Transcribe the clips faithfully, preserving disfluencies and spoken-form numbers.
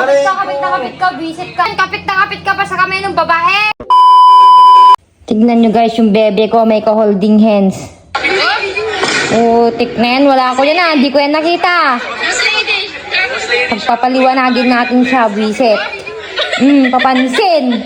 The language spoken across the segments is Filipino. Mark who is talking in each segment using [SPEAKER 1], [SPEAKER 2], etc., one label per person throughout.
[SPEAKER 1] Kapit ka, kapit na kapit ka, visit ka. Kapit na kapit ka pa sa kamay ng babae. Tignan nyo guys yung bebe ko, may ka-holding hands. Oh, tignan, wala ko yan ah, hindi ko yan nakita. Pagpapaliwanagin natin siya, visit. Hmm, papansin.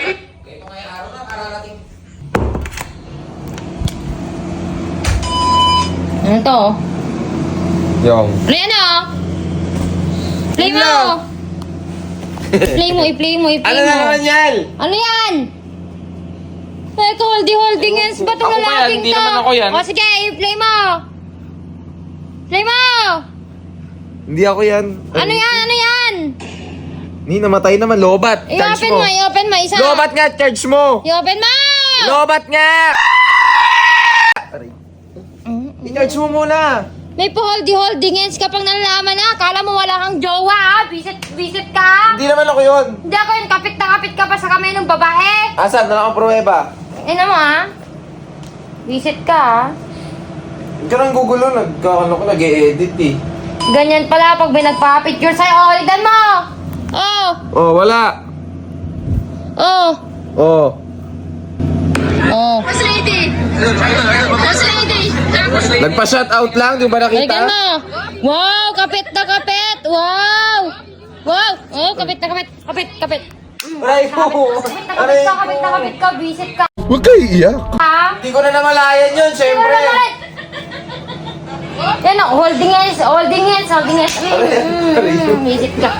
[SPEAKER 1] Ano to?
[SPEAKER 2] Yung.
[SPEAKER 1] Ano yan oh? Play mo! I-play mo, i-play mo, i-play
[SPEAKER 2] Ano
[SPEAKER 1] mo.
[SPEAKER 2] na naman yan?
[SPEAKER 1] Ano yan? May holding-holding hands ba itong
[SPEAKER 2] Ako ba yan?
[SPEAKER 1] lalaking
[SPEAKER 2] Hindi
[SPEAKER 1] to?
[SPEAKER 2] naman ako yan.
[SPEAKER 1] O sige, i-play mo! Play mo!
[SPEAKER 2] Hindi ako yan.
[SPEAKER 1] Ano yan? Ano yan?
[SPEAKER 2] Ni, namatay naman. Lobat. Charge
[SPEAKER 1] I-open
[SPEAKER 2] mo.
[SPEAKER 1] mo, i-open mo, isa.
[SPEAKER 2] Lobat nga, charge mo.
[SPEAKER 1] I-open mo!
[SPEAKER 2] Lobat nga! Aray. I-charge mo muna.
[SPEAKER 1] May pa-holding-holding hands ka pang nalalaman na. Akala mo wala kang jowa ha? Visit, visit ka?
[SPEAKER 2] Hindi naman ako yun.
[SPEAKER 1] Hindi ako yun. Kapit na kapit ka pa sa kamay ng babae.
[SPEAKER 2] Asan? Wala akong pruweba.
[SPEAKER 1] Ina mo ha? Visit ka ha?
[SPEAKER 2] Hindi ka nang gugulo. Nagkakano ko, nag-e-edit eh.
[SPEAKER 1] Ganyan pala pag may nagpa-picture sa'yo. Oh, ligdan mo! Oh!
[SPEAKER 2] Oh, wala.
[SPEAKER 1] Oh!
[SPEAKER 2] Oh.
[SPEAKER 1] Oh!
[SPEAKER 3] Boss lady! Boss lady!
[SPEAKER 2] Nagpa-shout out lang, di ba nakita?
[SPEAKER 1] Ligdan mo! Wow! Kapit na kapit! Wow! Wow! Oh, kapit na kapit! Kapit! Kapit!
[SPEAKER 2] Aray ko.
[SPEAKER 1] Kapit na kapit ka! Kapit na kapit ka! Visit ka!
[SPEAKER 4] Huwag kayo iiyak.
[SPEAKER 1] Ha?
[SPEAKER 2] Hindi ko na namalayan yun, syempre.
[SPEAKER 1] Yan o, holding hands, holding hands, holding hands. Mm, mm, mm, visit ka.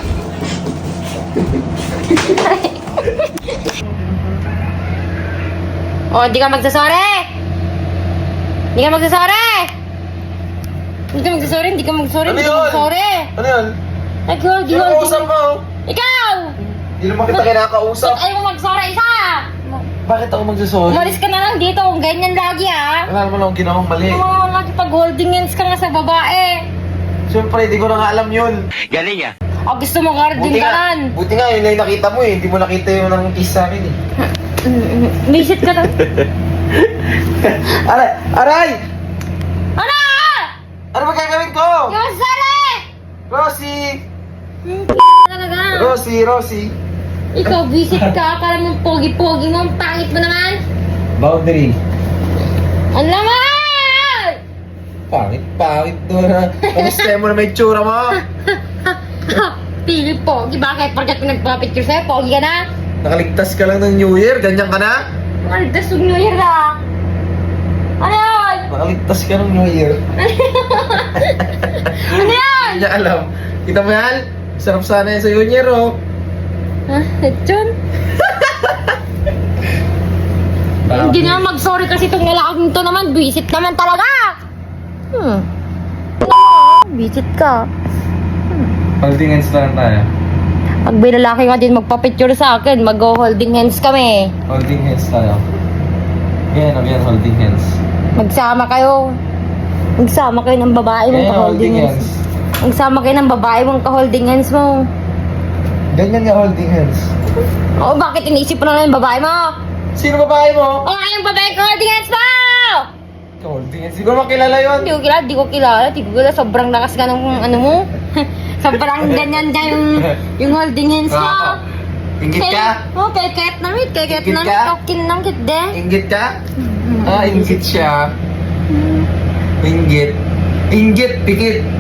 [SPEAKER 1] O, di ka magsasore! Di ka magsasore! Hindi ka magsasore, hindi ka magsasore,
[SPEAKER 2] Ano
[SPEAKER 1] hindi ka
[SPEAKER 2] yun?
[SPEAKER 1] magsasore!
[SPEAKER 2] Ano yun?
[SPEAKER 1] Nag-hold,
[SPEAKER 2] Yung
[SPEAKER 1] hold,
[SPEAKER 2] kausap mo.
[SPEAKER 1] Ikaw!
[SPEAKER 2] Hindi naman kita kinakausap.
[SPEAKER 1] Ayaw mo magsore, isa!
[SPEAKER 2] Bakit ako magsasorry?
[SPEAKER 1] Umalis ka na lang dito kung ganyan lagi ah!
[SPEAKER 2] Wala naman akong ginawang mali.
[SPEAKER 1] Oh, lagi pag holding hands ka nga sa babae!
[SPEAKER 2] Siyempre, hindi ko na nga alam yun.
[SPEAKER 1] O, gusto mo guarding
[SPEAKER 2] Buti
[SPEAKER 1] ka
[SPEAKER 2] nga,
[SPEAKER 1] lan!
[SPEAKER 2] buti nga yun na yung nakita mo eh. Hindi mo nakita yung nang kiss sa akin eh.
[SPEAKER 1] Visit ka lang!
[SPEAKER 2] Aray! Aray!
[SPEAKER 1] Ano?
[SPEAKER 2] Ano ba gagawin ko?
[SPEAKER 1] Yung sari!
[SPEAKER 2] Rosie!
[SPEAKER 1] Talaga!
[SPEAKER 2] Rosie, Rosie.
[SPEAKER 1] Ikaw, visit ka. Para mong pogi-pogi mo. Ang pangit mo naman.
[SPEAKER 2] Boundary.
[SPEAKER 1] Ang laman!
[SPEAKER 2] Pangit, pangit doon ha. Kamusta mo na may tsura mo?
[SPEAKER 1] Pili pogi. Bakit? Pagkat nagpa-picture sa'yo, pogi ka na?
[SPEAKER 2] Nakaligtas ka lang ng New Year, ganyan ka na?
[SPEAKER 1] Ang dasog New Year ah! Ano yun?
[SPEAKER 2] Nakaligtas ka ng New Year.
[SPEAKER 1] Ano yun?
[SPEAKER 2] Hindi niya alam. Kita mo yan? Sarap sana yan sa New Year oh.
[SPEAKER 1] Ha? Lechon? Hindi na mag-sorry kasi itong lalaking to naman. Visit naman talaga! Hmm. Visit ka.
[SPEAKER 2] Holding hands na lang tayo.
[SPEAKER 1] Pag may lalaki nga din magpa-picture sa akin, mag-holding hands kami.
[SPEAKER 2] Holding hands tayo. Again, again, holding hands.
[SPEAKER 1] Magsama kayo. Magsama kayo ng babae mong
[SPEAKER 2] Again,
[SPEAKER 1] ka-holding hands. Magsama kayo ng babae mong ka-holding hands mo.
[SPEAKER 2] Ganyan nga holding hands.
[SPEAKER 1] Oo, bakit iniisip mo na lang yung babae mo?
[SPEAKER 2] Sino babae mo?
[SPEAKER 1] Oo, nga yung babae ka-holding hands mo!
[SPEAKER 2] Holding hands. Hindi ko makilala yun.
[SPEAKER 1] Hindi ko kilala, hindi ko kilala, hindi ko kilala. Sobrang lakas ka ng ano mo. Sobrang ganyan ka yung, yung holding hands mo.
[SPEAKER 2] Ah, Inggit ka?
[SPEAKER 1] Oo, keket na rin, keket
[SPEAKER 2] Inggit
[SPEAKER 1] na
[SPEAKER 2] ka?
[SPEAKER 1] rin. Kakin lang kit de.
[SPEAKER 2] Inggit ka? Ah, inggit siya. Inggit. Inggit, pikit.